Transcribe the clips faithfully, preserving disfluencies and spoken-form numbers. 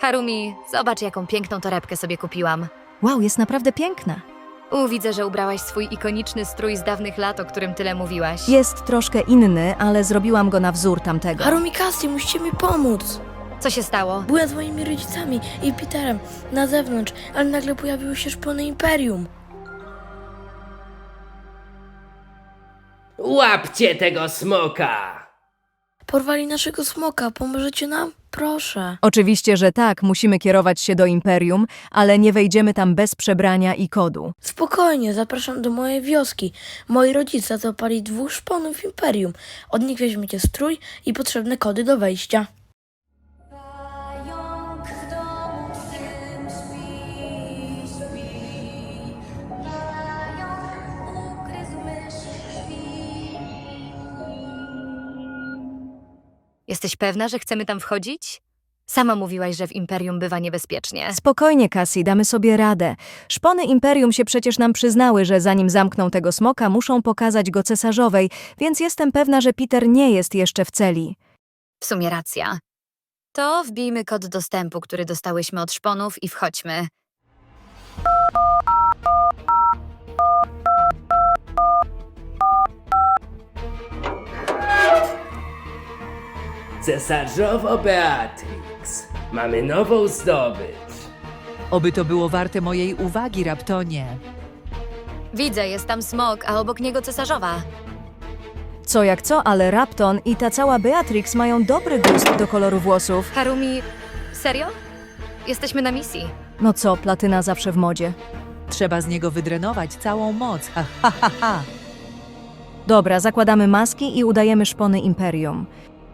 Harumi, zobacz, jaką piękną torebkę sobie kupiłam. Wow, jest naprawdę piękna. U, widzę, że ubrałaś swój ikoniczny strój z dawnych lat, o którym tyle mówiłaś. Jest troszkę inny, ale zrobiłam go na wzór tamtego. Harumi, Cassie, musicie mi pomóc. Co się stało? Byłem z moimi rodzicami i Peterem na zewnątrz, ale nagle pojawiły się szpony Imperium. Łapcie tego smoka! Porwali naszego smoka, pomożecie nam? Proszę. Oczywiście, że tak, musimy kierować się do Imperium, ale nie wejdziemy tam bez przebrania i kodu. Spokojnie, zapraszam do mojej wioski. Moi rodzice złapali dwóch szponów Imperium. Od nich weźmiecie strój i potrzebne kody do wejścia. Pająk w domu twym śpi, śpi. Pająk ugryzł mysz śpi. Jesteś pewna, że chcemy tam wchodzić? Sama mówiłaś, że w Imperium bywa niebezpiecznie. Spokojnie, Cassie, damy sobie radę. Szpony Imperium się przecież nam przyznały, że zanim zamkną tego smoka, muszą pokazać go cesarzowej, więc jestem pewna, że Peter nie jest jeszcze w celi. W sumie racja. To wbijmy kod dostępu, który dostałyśmy od szponów i wchodźmy. Cesarzowo Beatrix, mamy nową zdobycz. Oby to było warte mojej uwagi, Raptonie. Widzę, jest tam smok, a obok niego cesarzowa. Co jak co, ale Rapton i ta cała Beatrix mają dobry gust do koloru włosów. Harumi, serio? Jesteśmy na misji. No co, platyna zawsze w modzie. Trzeba z niego wydrenować całą moc. Ha, ha, ha, ha. Dobra, zakładamy maski i udajemy szpony Imperium.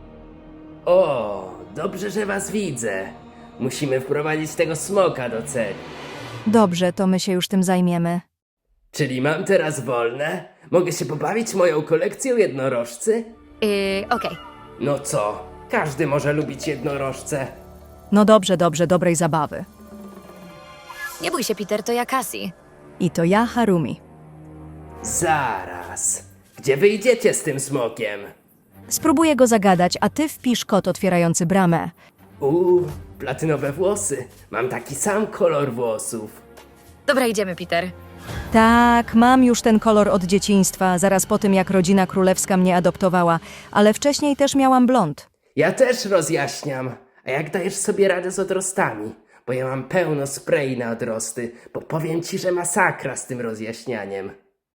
O, dobrze, że was widzę. Musimy wprowadzić tego smoka do celi. Dobrze, to my się już tym zajmiemy. Czyli mam teraz wolne? Mogę się pobawić moją kolekcją jednorożcy? Yy, okej. No co, każdy może lubić jednorożce. No dobrze, dobrze, dobrej zabawy. Nie bój się, Peter, to ja Cassie. I to ja, Harumi. Zaraz. Gdzie wyjdziecie z tym smokiem? Spróbuję go zagadać, a ty wpisz kod otwierający bramę. Uuu, platynowe włosy. Mam taki sam kolor włosów. Dobra, idziemy, Peter. Tak, mam już ten kolor od dzieciństwa, zaraz po tym, jak rodzina królewska mnie adoptowała, ale wcześniej też miałam blond. Ja też rozjaśniam. A jak dajesz sobie radę z odrostami? Bo ja mam pełno spray na odrosty, bo powiem ci, że masakra z tym rozjaśnianiem.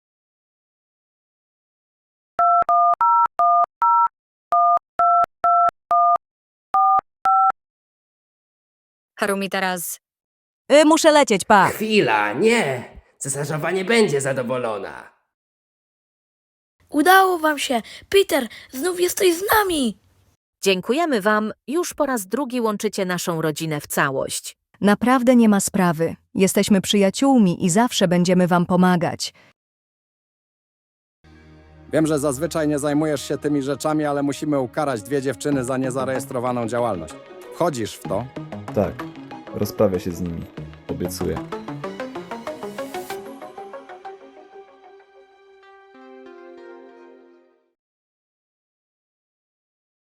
Harumi, teraz... Y, muszę lecieć, pa! Chwila, nie! Cesarzowa nie będzie zadowolona. Udało wam się! Peter, znów jesteś z nami! Dziękujemy Wam, już po raz drugi łączycie naszą rodzinę w całość. Naprawdę nie ma sprawy. Jesteśmy przyjaciółmi i zawsze będziemy wam pomagać. Wiem, że zazwyczaj nie zajmujesz się tymi rzeczami, ale musimy ukarać dwie dziewczyny za niezarejestrowaną działalność. Wchodzisz w to? Tak, rozprawię się z nimi. Obiecuję.